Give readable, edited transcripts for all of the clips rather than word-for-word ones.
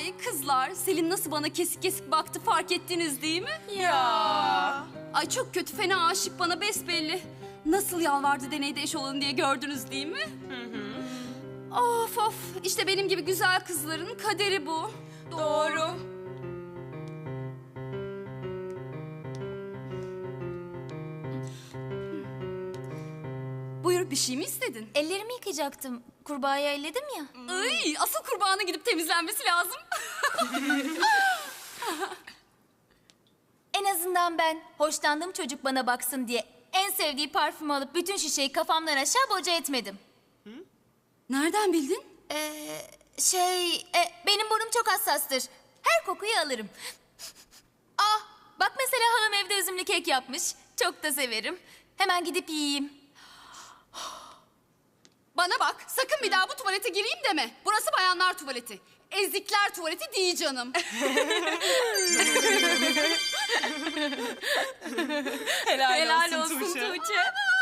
Ay kızlar, Selin nasıl bana kesik kesik baktı fark ettiniz değil mi? Ya. Ay çok kötü, fena aşık bana besbelli. Nasıl yalvardı deneyde eş olun diye gördünüz değil mi? Of of, işte benim gibi güzel kızların kaderi bu. Doğru. Buyur, bir şey mi istedin? Ellerimi yıkayacaktım. Kurbağayı elledim ya. Ay, asıl kurbanı gidip temizlenmesi lazım. En azından ben hoşlandığım çocuk bana baksın diye en sevdiği parfümü alıp bütün şişeyi kafamdan aşağı boca etmedim. Nereden bildin? Benim burnum çok hassastır. Her kokuyu alırım. Ah, bak mesela halam evde üzümlü kek yapmış. Çok da severim. Hemen gidip yiyeyim. Bana bak, sakın bir daha bu tuvalete gireyim deme. Burası bayanlar tuvaleti. Ezikler tuvaleti değil canım. Helal olsun Tuğçe. Tuğçe. Tuğçe.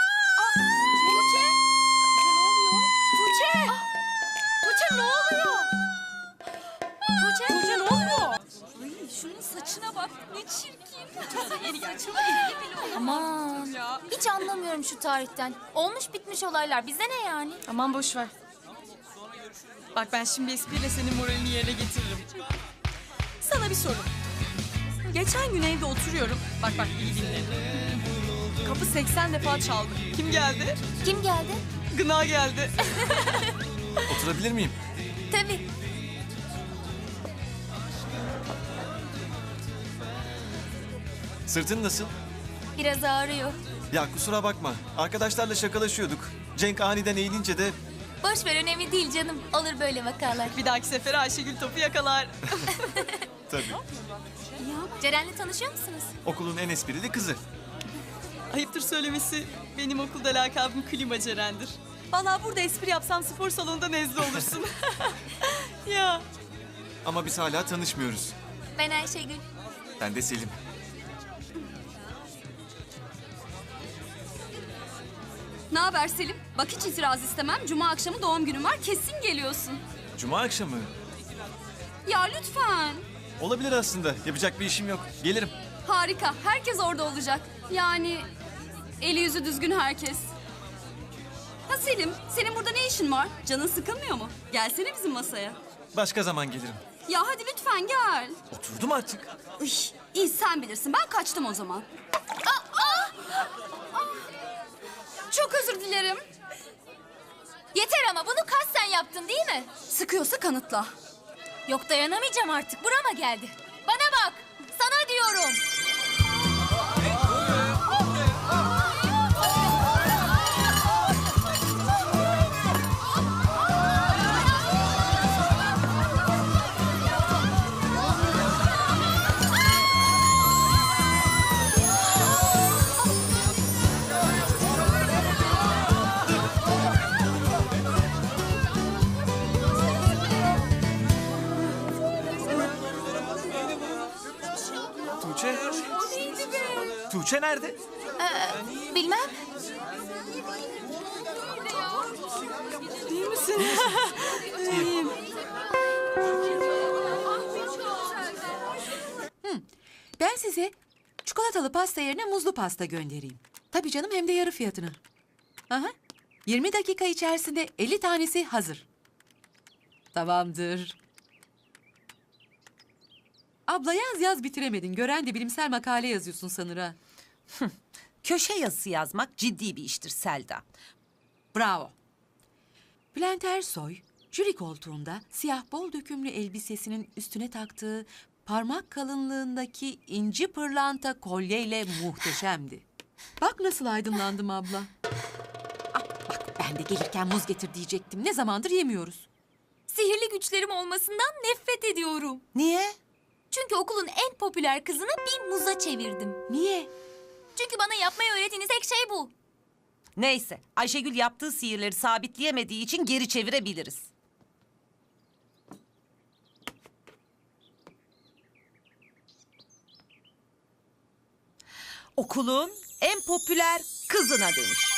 Tuğçe. Tuğçe ne oluyor? Tuğçe ne oluyor? Ay, şunun saçına bak, ne çirkin. Aman, hiç anlamıyorum şu tarihten. Olmuş bitmiş olaylar. Bize ne yani? Aman boş ver. Bak ben şimdi espriyle senin moralini yerine getiririm. Sana bir soru. Geçen gün evde oturuyorum. Bak iyi dinle. Kapı 80 defa çaldı. Kim geldi? Kim geldi? Gına geldi. Oturabilir miyim? Tabii. Sırtın nasıl? Biraz ağrıyor. Ya kusura bakma. Arkadaşlarla şakalaşıyorduk. Cenk aniden eğilince de Boş ver, önemli değil canım. Olur böyle vakalar. Bir dahaki sefere Ayşegül topu yakalar. tabii Ceren'le tanışıyor musunuz? okulun en esprili kızı. Ayıptır söylemesi, benim okulda lakabım Klima Ceren'dir. Vallahi burada espri yapsam spor salonunda nezle olursun. Ya. Ama biz hala tanışmıyoruz. Ben Ayşegül. Ben de Selim. Ne haber Selim? Bak hiç itiraz istemem. Cuma akşamı doğum günüm var. Kesin geliyorsun. Cuma akşamı. Ya lütfen. Olabilir aslında. Yapacak bir işim yok. Gelirim. Harika. Herkes orada olacak. Yani eli yüzü düzgün herkes. Ha Selim, senin burada ne işin var? Canın sıkılmıyor mu? Gelsene bizim masaya. Başka zaman gelirim. Ya hadi lütfen gel. Oturdum artık. Üy, iyi sen bilirsin. Ben kaçtım o zaman. Çok özür dilerim. Yeter ama bunu kasten yaptın değil mi? Sıkıyorsa kanıtla. Yok, dayanamayacağım artık. Burama geldi. Bana bak. Sana diyorum. Tuğçe. Tuğçe nerede? Bilmem. İyi misin? Ben size çikolatalı pasta yerine muzlu pasta göndereyim. Tabii canım, hem de yarı fiyatına. Aha. 20 dakika içerisinde 50 tanesi hazır. Tamamdır. Abla yaz bitiremedin. Gören de bilimsel makale yazıyorsun sanır ha. Köşe yazısı yazmak ciddi bir iştir Selda. Bravo. Bülent Ersoy, jüri koltuğunda siyah bol dökümlü elbisesinin üstüne taktığı parmak kalınlığındaki inci pırlanta kolyeyle muhteşemdi. Bak nasıl aydınlandım abla. Ah, bak ben de gelirken muz getir diyecektim. Ne zamandır yemiyoruz. Sihirli güçlerim olmasından nefret ediyorum. Niye? Çünkü okulun en popüler kızını bir muza çevirdim. Niye? Çünkü bana yapmayı öğrettiğiniz tek şey bu. Neyse, Ayşegül yaptığı sihirleri sabitleyemediği için geri çevirebiliriz. Okulun en popüler kızına dönüş.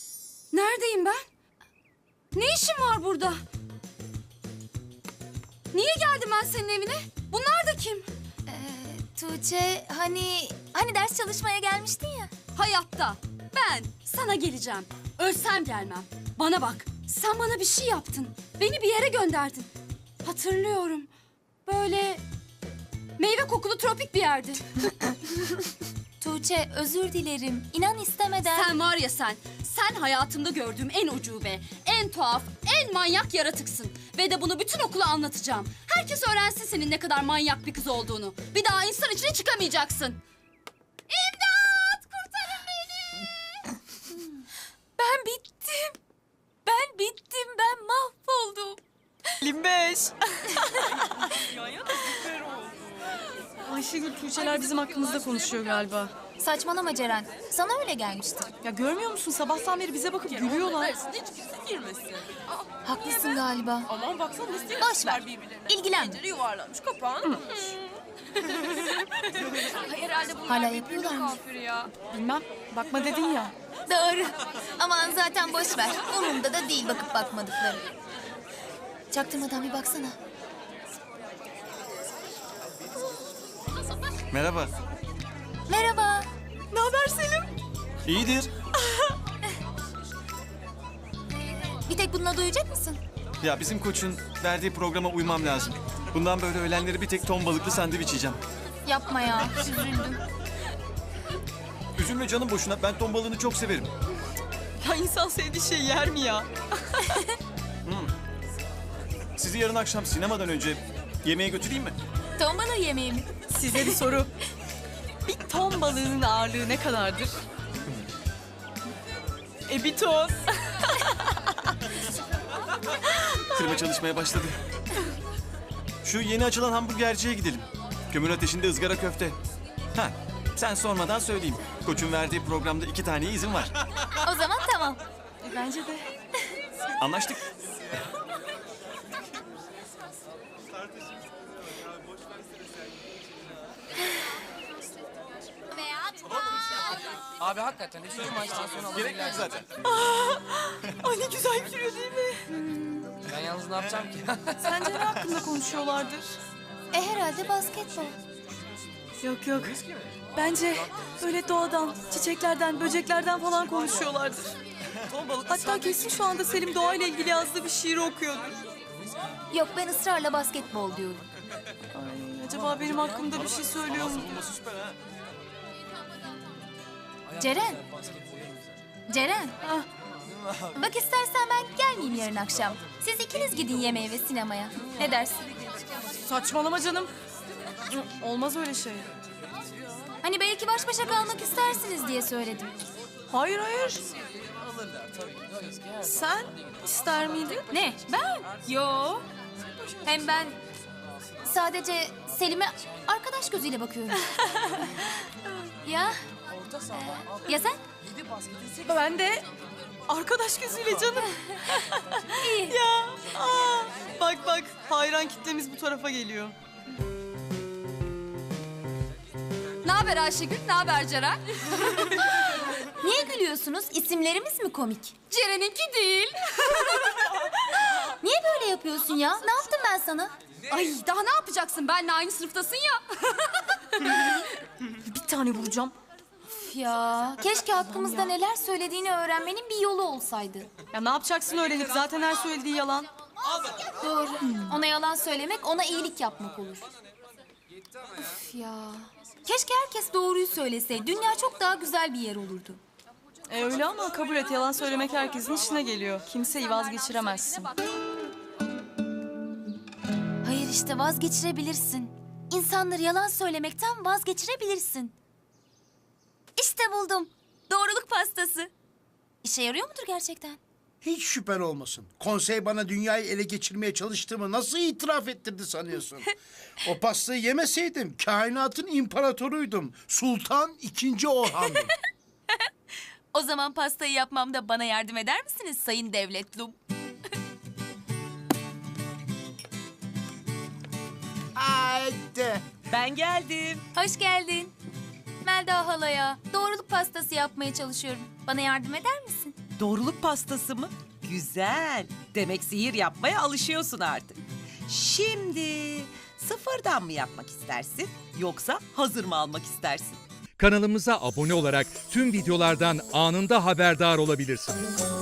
Neredeyim ben? Ne işim var burada? Niye geldim ben senin evine? Bunlar da kim? Tuğçe hani ders çalışmaya gelmiştin ya. Hayatta. Ben sana geleceğim. Ölsem gelmem. Bana bak. Sen bana bir şey yaptın. Beni bir yere gönderdin. Hatırlıyorum. Böyle meyve kokulu tropik bir yerdi. Tuğçe özür dilerim. İnan istemeden. Sen var ya sen. Sen hayatımda gördüğüm en ucube, en tuhaf, en manyak yaratıksın. Ve de bunu bütün okula anlatacağım. Herkes öğrensin senin ne kadar manyak bir kız olduğunu. Bir daha insan içine çıkamayacaksın. İmdat! Kurtarın beni! Ben bittim. Ben bittim. Ben mahvoldum. 25. Ayşegül, Tuğçeler bizim hakkımızda konuşuyor galiba. Saçmalama Ceren. Sana öyle gelmiştir. Ya görmüyor musun? Sabahtan beri bize bakıp gülüyorlar. Haklısın galiba. Aman baksana nasıl Boş ver. İlgilenme. yuvarlanmış kapağın. Hala yapıyorlar mı? Bilmem. Bakma dedin ya. Doğru. Aman zaten boş ver. Umurumda da değil bakıp bakmadıkları. Çaktırmadan bir baksana. Merhaba. Merhaba. Ne haber Selim? İyidir. Bir tek bununla doyacak mısın? Ya bizim koçun verdiği programa uymam lazım. Bundan böyle öğlenleri bir tek ton balıklı sandviç yiyeceğim. Yapma ya. Üzüldüm. Üzülme canım boşuna. Ben ton balığını çok severim. Ya insan sevdiği şey yer mi ya? Sizi yarın akşam sinemadan önce yemeğe götüreyim mi? Ton balığı yemeği mi? Size bir soru. Bir ton balığının ağırlığı ne kadardır? Bir ton. Kırma çalışmaya başladı. Şu yeni açılan hamburgerciye gidelim. Kömür ateşinde ızgara köfte. Ha, sen sormadan söyleyeyim. Koçun verdiği programda 2 tane izin var. O zaman tamam. Bence de. Anlaştık. Abi hakikaten üçüncü maçtan sonra Gerek yok zaten. Ay ne güzel gülüyor değil mi? Ben yalnız ne yapacağım ki? Sence ne hakkında konuşuyorlardır? Herhalde basketbol. Yok yok. Bence öyle doğadan, çiçeklerden, böceklerden falan konuşuyorlardır. Hatta kesin şu anda Selim doğayla ilgili yazdığı bir şiir okuyordur. Yok ben ısrarla basketbol diyorum. Ay, acaba benim hakkımda bir şey söylüyor mu? Ceren. Ceren. Bak istersen ben gelmeyeyim yarın akşam. Siz ikiniz gidin yemeğe ve sinemaya. Ne dersin? Saçmalama canım. Olmaz öyle şey. Hani belki baş başa kalmak istersiniz diye söyledim. Hayır hayır. Sen ister miydin? Ne? Ben? Yo. Hem ben sadece Selim'e arkadaş gözüyle bakıyorum. Ya? Ya sen? Ben de arkadaş gözüyle canım. Ya. Bak bak hayran kitlemiz bu tarafa geliyor. Ne haber Ayşegül? Ne haber Ceren? Niye gülüyorsunuz? İsimlerimiz mi komik? Ceren'inki değil. Niye böyle yapıyorsun ya? Ne yaptım ben sana? Ay daha ne yapacaksın? Benle aynı sınıftasın ya. Bir tane vuracağım. Üf ya. Keşke hakkımızda neler söylediğini öğrenmenin bir yolu olsaydı. Ya ne yapacaksın öğrenip zaten her söylediği yalan. Doğru. Ona yalan söylemek, ona iyilik yapmak olur. Üf ya. Keşke herkes doğruyu söyleseydi. Dünya çok daha güzel bir yer olurdu. Öyle ama kabul et yalan söylemek herkesin işine geliyor. Kimseyi vazgeçiremezsin. Hayır işte vazgeçirebilirsin. İnsanları yalan söylemekten vazgeçirebilirsin. İşte buldum. Doğruluk pastası. İşe yarıyor mudur gerçekten? Hiç şüphen olmasın. Konsey bana dünyayı ele geçirmeye çalıştığımı nasıl itiraf ettirdi sanıyorsun? O pastayı yemeseydim kainatın imparatoruydum. Sultan II. Orhan'dım. O zaman pastayı yapmamda bana yardım eder misiniz Sayın Devletlum? Haydi. Ben geldim. Hoş geldin. Melda halaya doğruluk pastası yapmaya çalışıyorum. Bana yardım eder misin? Doğruluk pastası mı? Güzel. Demek sihir yapmaya alışıyorsun artık. Şimdi sıfırdan mı yapmak istersin yoksa hazır mı almak istersin? Kanalımıza abone olarak tüm videolardan anında haberdar olabilirsiniz.